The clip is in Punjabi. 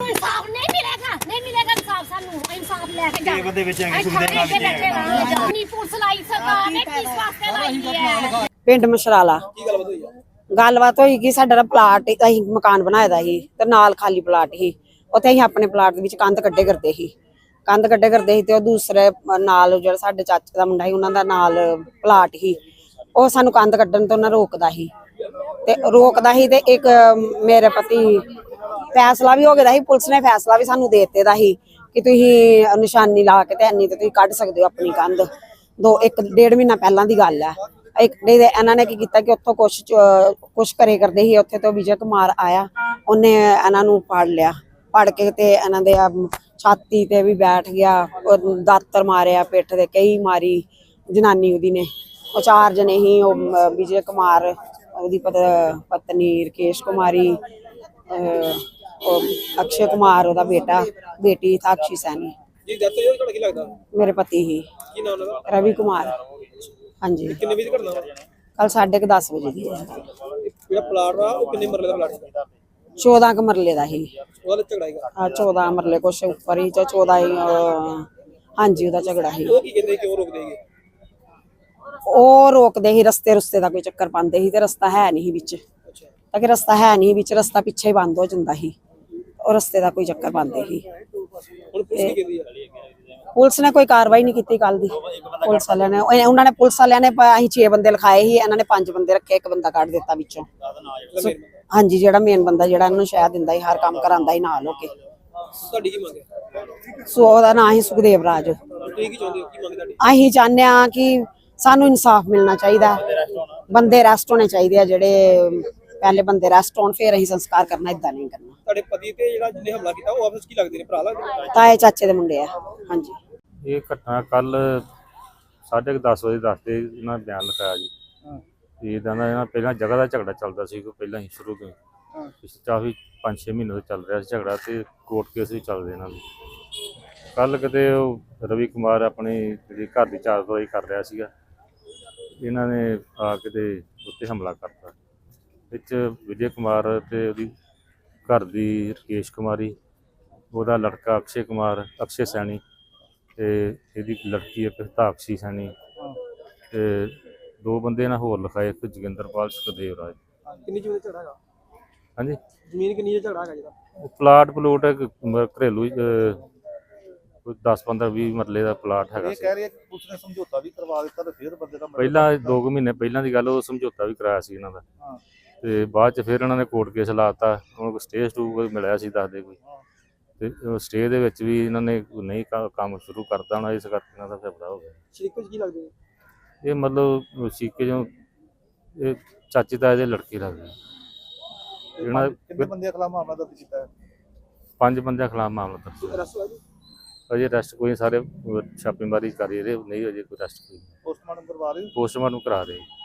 इंसाफ नहीं मिलेगा इंसाफ सानू इंसाफ लेके जा बंदे बेच आएंगे सुखदेव नाथ नहीं पुलिस लाई सरकार ने किस वास्ते लाई है ਪਿੰਡ ਮਸ਼ਰਾਲਾ ਗੱਲਬਾਤ ਹੋਈ ਕਿ ਸਾਡਾ ਪਲਾਟ ਅਸੀਂ ਮਕਾਨ ਬਣਾਇਆ ਦਾ ਸੀ ਤੇ ਨਾਲ ਖਾਲੀ ਪਲਾਟ ਸੀ ਉੱਥੇ ਅਸੀਂ ਆਪਣੇ ਪਲਾਟ ਦੇ ਵਿੱਚ ਕੰਧ ਕੱਢੇ ਕਰਦੇ ਸੀ ਤੇ ਉਹ ਦੂਸਰੇ ਨਾਲ ਜਿਹੜਾ ਸਾਡੇ ਚਾਚੇ ਦਾ ਮੁੰਡਾ ਸੀ ਉਹਨਾਂ ਦਾ ਨਾਲ ਪਲਾਟ ਸੀ ਉਹ ਸਾਨੂੰ ਕੰਧ ਕੱਢਣ ਤੋਂ ਨਾ ਰੋਕਦਾ ਸੀ ਤੇ ਇੱਕ ਮੇਰੇ ਪਤੀ ਫੈਸਲਾ ਵੀ ਹੋ ਗਿਆ ਸੀ ਪੁਲਿਸ ਨੇ ਫੈਸਲਾ ਵੀ ਸਾਨੂੰ ਦੇ ਦਿੱਤੇ ਦਾ ਸੀ ਕਿ ਤੁਸੀਂ ਨਿਸ਼ਾਨੀ ਲਾ ਕੇ ਤੇ ਇੰਨੀ ਤੇ ਤੁਸੀਂ ਕੱਢ ਸਕਦੇ ਹੋ ਆਪਣੀ ਕੰਧ 1.5 ਮਹੀਨਾ ਪਹਿਲਾਂ ਦੀ ਗੱਲ ਹੈ ਇਹਨਾਂ ਨੇ ਕੀ ਕੀਤਾ ਕਿ ਉੱਥੋਂ ਕੁਛ ਕਰੇ ਕਰਦੇ ਸੀ ਉੱਥੇ ਤੋਂ ਵਿਜੇ ਕੁਮਾਰ ਆਇਆ ਉਹਨੇ ਇਹਨਾਂ ਨੂੰ ਫੜ ਕੇ ਤੇ ਇਹਨਾਂ ਦੇ ਛਾਤੀ ਤੇ ਵੀ ਬੈਠ ਗਿਆ ਦਾਤਰ ਮਾਰਿਆ ਪਿੱਠ ਤੇ ਕਈ ਮਾਰੀ ਜਨਾਨੀ ਉਹਦੀ ਨੇ ਉਹ 4 ਜਣੇ ਹੀ ਉਹ ਵਿਜੇ ਕੁਮਾਰ ਉਹਦੀ ਪਤਨੀ ਰਕੇਸ਼ ਕੁਮਾਰੀ ਅਕਸ਼ੇ ਕੁਮਾਰ ਉਹਦਾ ਬੇਟੀ ਸਾਕਸ਼ੀ ਸੈਣੀ ਜੀ ਦੱਸੋ ਜੀ ਤੁਹਾਡਾ ਕੀ ਲੱਗਦਾ ਮੇਰੇ ਪਤੀ ਹੀ ਕੀ ਨਾਮ ਉਹਨਾਂ ਦਾ ਰਵੀ ਕੁਮਾਰ ਹਾਂਜੀ ਕਿੰਨੇ ਵਜੇ ਘਟਨਾ ਵਾ ਕੱਲ 10:30 ਵਜੇ ਦੀ ਹੈ ਜਿਹੜਾ ਪਲਾਟ ਆ ਉਹ ਕਿੰਨੇ ਮਰਲੇ ਦਾ ਪਲਾਟ ਹੈ 14 ਕ ਮਰਲੇ ਦਾ ਹੀ ਉਹਦਾ ਝਗੜਾ ਹੈਗਾ ਹਾਂ 14 ਮਰਲੇ ਕੁਛ ਉੱਪਰ ਹੀ 14 ਹੀ ਹਾਂਜੀ ਉਹਦਾ ਝਗੜਾ ਸੀ ਉਹ ਕੀ ਕਹਿੰਦੇ ਕਿਉਂ ਰੋਕਦੇ ਹੈਗੇ ਉਹ ਰੋਕਦੇ ਸੀ ਰਸਤੇ ਦਾ ਕੋਈ ਚੱਕਰ ਪਾਉਂਦੇ ਸੀ ਤੇ ਰਸਤਾ ਹੈ ਨਹੀਂ ਵਿੱਚ ਤਾਂ ਕਿ ਰਸਤਾ ਹੈ ਨਹੀਂ ਵਿੱਚ ਰਸਤਾ ਪਿੱਛੇ ਹੀ ਬੰਦ ਹੋ ਜਾਂਦਾ ਸੀ ਉਹ ਰਸਤੇ ਦਾ ਕੋਈ ਚੱਕਰ ਪਾਉਂਦੇ ਸੀ ਹੁਣ ਪੁਲਿਸ ਕੀ ਕਹਿੰਦੀ ਹੈ ਪੁਲਿਸ ਨੇ ਕੋਈ ਕਾਰਵਾਈ ਨਹੀਂ ਕੀਤੀ ਕੱਲ ਦੀ ਪੁਲਿਸ ਵਾਲਿਆਂ ਨੇ ਅਸੀਂ 6 ਬੰਦੇ ਲਿਖਾਏ ਸੀ ਇਹਨਾਂ ਨੇ 5 ਬੰਦੇ ਰੱਖੇ ਇੱਕ ਬੰਦਾ ਕੱਢ ਦਿੱਤਾ ਵਿੱਚੋਂ ਹਾਂਜੀ ਜਿਹੜਾ ਮੇਨ ਬੰਦਾ ਜਿਹੜਾ ਇਹਨੂੰ ਸ਼ਾਇਦ ਦਿੰਦਾ ਸੀ ਹਰ ਕੰਮ ਕਰਾਂਦਾ ਸੀ ਨਾਲ ਹੋ ਕੇ ਤੁਹਾਡੀ ਕੀ ਮੰਗ ਹੈ ਸੋ ਉਹਦਾ ਨਾਂ ਹੀ ਸੁਖਦੇਵ ਰਾਜ ਤੁਸੀਂ ਕੀ ਚਾਹੁੰਦੇ ਹੋ ਕੀ ਮੰਗ ਤੁਹਾਡੀ ਅਸੀਂ ਚਾਹੁੰਦੇ ਆ ਕਿ ਸਾਨੂੰ ਇਨਸਾਫ ਮਿਲਣਾ ਚਾਹੀਦਾ ਬੰਦੇ ਅਰੈਸਟ ਹੋਣੇ ਚਾਹੀਦੇ ਆ ਜਿਹੜੇ ਪਹਿਲੇ ਬੰਦੇ ਅਰੈਸਟ ਹੋਣ ਫਿਰ ਅਸੀਂ ਸੰਸਕਾਰ ਕਰਨਾ ਇਦਾਂ ਨਹੀਂ ਕਰਨਾ ਤੁਹਾਡੇ ਪਤੀ ਤੇ ਜਿਹੜਾ ਜਿਹਨੇ ਹਮਲਾ ਕੀਤਾ ਉਹ ਆਪਸ ਕੀ ਲੱਗਦੇ ਨੇ ਭਰਾ ਲੱਗਦੇ ਨੇ ਤਾਏ ਚਾਚੇ ਦੇ ਮੁੰਡੇ ਆ ਹਾਂਜੀ ਇਹ ਘਟਨਾ ਕੱਲ 10:30 ਵਜੇ ਦੱਸਦੇ ਇਹਨਾਂ ਬਿਆਨ ਲਿਖਾਇਆ ਜੀ ਇਹਦਾ ਨਾ ਪਹਿਲਾਂ ਜਗ੍ਹਾ ਦਾ ਝਗੜਾ ਚੱਲਦਾ ਸੀ ਕੋਈ ਪਹਿਲਾਂ ਹੀ ਸ਼ੁਰੂ ਤੋਂ ਪਿਛਲੇ ਕਾਫੀ 5-6 ਮਹੀਨੇ ਤੋਂ ਚੱਲ ਰਿਹਾ ਸੀ ਝਗੜਾ ਤੇ ਕੋਰਟ ਕੇਸ ਵੀ ਚੱਲਦੇ ਇਹਨਾਂ ਦੇ ਕੱਲ ਕਿਤੇ ਉਹ ਰਵੀ ਕੁਮਾਰ ਆਪਣੀ ਜਿਹੜੀ ਘਰ ਦੀ ਚਾਰ ਦਵਾਈ ਕਰ ਰਿਹਾ ਸੀਗਾ ਇਹਨਾਂ ਨੇ ਆ ਕਿਤੇ ਉੱਤੇ ਹਮਲਾ ਕਰਤਾ ਵਿੱਚ ਵਿਜੇ ਕੁਮਾਰ ਤੇ ਉਹਦੀ ਘਰ ਦੀ ਰਕੇਸ਼ ਕੁਮਾਰੀ ਉਹਦਾ ਲੜਕਾ ਅਕਸ਼ੇ ਸੈਣੀ ਤੇ ਇਹਦੀ ਲੜਕੀ ਇੱਕ ਸਾਕਸ਼ੀ ਸੈਣੀ ਤੇ 2 ਬੰਦੇ ਨਾਲ ਹੋਰ ਲਿਖਾਏ ਇੱਕ ਜੋਗਿੰਦਰਪਾਲ ਸੁਖਦੇਵ ਰਾਜ ਕਿੰਨੀ ਜ਼ਮੀਨ ਝਗੜਾ ਹੈਗਾ ਹਾਂਜੀ ਜ਼ਮੀਨ ਕਿੰਨੀ ਝਗੜਾ ਹੈਗਾ ਜਿਹੜਾ ਪਲਾਟ ਘਰੇਲੂ ਕੋਈ 10-15-20 ਮਰਲੇ ਦਾ ਪਲਾਟ ਹੈਗਾ ਇਹ ਕਹਿ ਰਹੇ ਕਿ ਪੁਲਿਸ ਨੇ ਸਮਝੌਤਾ ਵੀ ਕਰਵਾ ਦਿੱਤਾ ਤੇ ਫਿਰ ਬੰਦੇ ਦਾ ਪਹਿਲਾਂ 2 ਮਹੀਨੇ ਪਹਿਲਾਂ ਦੀ ਗੱਲ ਉਹ ਸਮਝੌਤਾ ਵੀ ਕਰਾਇਆ ਸੀ ਇਹਨਾਂ ਦਾ ਤੇ ਬਾਅਦ ਚ ਫਿਰ ਇਹਨਾਂ ਨੇ ਕੋਰਟ ਕੇਸ ਲਾਤਾ ਹੁਣ ਕੋਈ ਸਟੇ ਮਿਲਿਆ ਸੀ ਦੱਸਦੇ ਕੋਈ ਤੇ ਸਟੇ ਦੇ ਵਿੱਚ ਵੀ ਇਹਨਾਂ ਨੇ ਨਹੀਂ ਕੰਮ ਸ਼ੁਰੂ ਕਰਤਾ ਹੋਣਾ ਇਸ ਕਰਕੇ ਇਹਨਾਂ ਦਾ ਝਗੜਾ ਹੋ ਗਿਆ ਸ਼ਰੀਕੇ ਕੀ ਲੱਗਦੇ ਇਹ ਮਤਲਬ ਸ਼ੀਕੇ ਜੋ ਇਹ ਚਾਚੀ ਤਾਏ ਦੇ ਲੜਕੇ ਲੱਗਦੇ ਇਹਨਾਂ ਕਿੰਨੇ ਬੰਦੇ ਖਿਲਾਫ ਮਾਮਲਾ ਦਰਜ ਕੀਤਾ ਹੈ 5 ਬੰਦਿਆਂ ਖਿਲਾਫ ਮਾਮਲਾ ਦਰਜ ਅਰੈਸਟ ਹੋਇਆ ਜੀ ਅਜੇ ਅਰੈਸਟ ਕੋਈ ਸਾਰੇ ਛਾਪੇਮਾਰੀ ਕਰ ਰਹੇ ਨਹੀਂ ਅਜੇ ਕੋਈ ਅਰੈਸਟ ਕੋਈ ਪੋਸਟਮਾਰਟਮ ਕਰਵਾ ਰਹੇ ਪੋਸਟਮਾਰਟਮ ਕਰਾ ਰਹੇ